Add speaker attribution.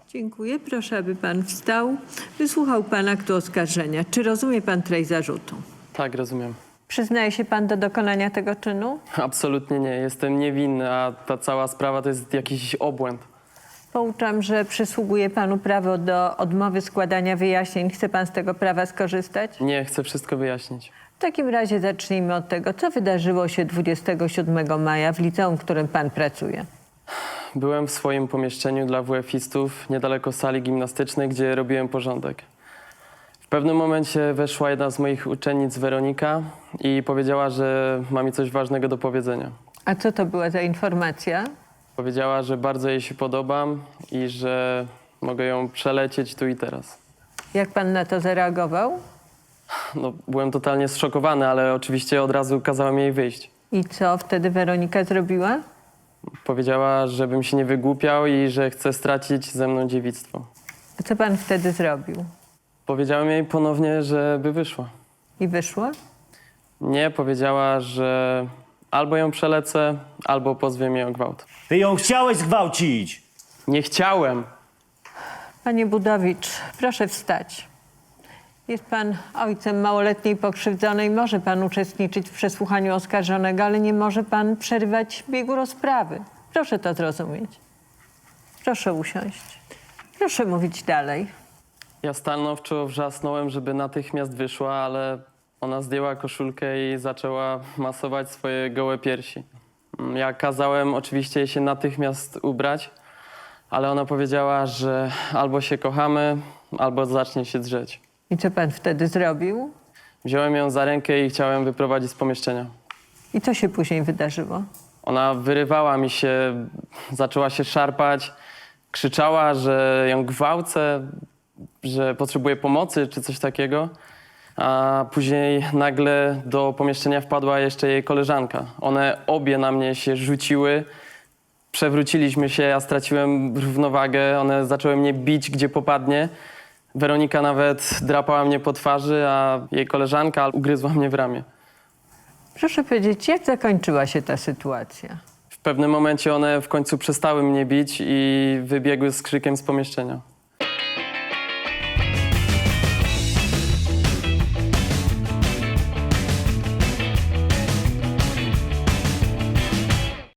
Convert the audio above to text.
Speaker 1: Dziękuję. Proszę, aby pan wstał. Wysłuchał pan aktu oskarżenia. Czy rozumie pan treść zarzutu?
Speaker 2: Tak, rozumiem.
Speaker 1: Przyznaje się pan do dokonania tego czynu?
Speaker 2: Absolutnie nie. Jestem niewinny, a ta cała sprawa to jest jakiś obłęd.
Speaker 1: Pouczam, że przysługuje panu prawo do odmowy składania wyjaśnień. Chce pan z tego prawa skorzystać?
Speaker 2: Nie, chcę wszystko wyjaśnić.
Speaker 1: W takim razie zacznijmy od tego, co wydarzyło się 27 maja w liceum, w którym pan pracuje.
Speaker 2: Byłem w swoim pomieszczeniu dla WF-istów niedaleko sali gimnastycznej, gdzie robiłem porządek. W pewnym momencie weszła jedna z moich uczennic, Weronika, i powiedziała, że ma mi coś ważnego do powiedzenia.
Speaker 1: A co to była za informacja?
Speaker 2: Powiedziała, że bardzo jej się podobam i że mogę ją przelecieć tu i teraz.
Speaker 1: Jak pan na to zareagował?
Speaker 2: No, byłem totalnie zszokowany, ale oczywiście od razu kazałem jej wyjść.
Speaker 1: I co wtedy Weronika zrobiła?
Speaker 2: Powiedziała, żebym się nie wygłupiał i że chce stracić ze mną dziewictwo.
Speaker 1: A co pan wtedy zrobił?
Speaker 2: Powiedziałem jej ponownie, żeby wyszła.
Speaker 1: I wyszła?
Speaker 2: Nie, powiedziała, że albo ją przelecę, albo pozwie mnie o gwałt.
Speaker 3: Ty ją chciałeś zgwałcić!
Speaker 2: Nie chciałem.
Speaker 1: Panie Budowicz, proszę wstać. Jest pan ojcem małoletniej pokrzywdzonej. Może pan uczestniczyć w przesłuchaniu oskarżonego, ale nie może pan przerywać biegu rozprawy. Proszę to zrozumieć. Proszę usiąść. Proszę mówić dalej.
Speaker 2: Ja stanowczo wrzasnąłem, żeby natychmiast wyszła, ale ona zdjęła koszulkę i zaczęła masować swoje gołe piersi. Ja kazałem oczywiście jej się natychmiast ubrać, ale ona powiedziała, że albo się kochamy, albo zacznie się drzeć.
Speaker 1: I co pan wtedy zrobił?
Speaker 2: Wziąłem ją za rękę i chciałem wyprowadzić z pomieszczenia.
Speaker 1: I co się później wydarzyło?
Speaker 2: Ona wyrywała mi się, zaczęła się szarpać, krzyczała, że ją gwałcę, że potrzebuje pomocy czy coś takiego. A później nagle do pomieszczenia wpadła jeszcze jej koleżanka. One obie na mnie się rzuciły, przewróciliśmy się, ja straciłem równowagę, one zaczęły mnie bić gdzie popadnie. Weronika nawet drapała mnie po twarzy, a jej koleżanka ugryzła mnie w ramię.
Speaker 1: Proszę powiedzieć, jak zakończyła się ta sytuacja?
Speaker 2: W pewnym momencie one w końcu przestały mnie bić i wybiegły z krzykiem z pomieszczenia.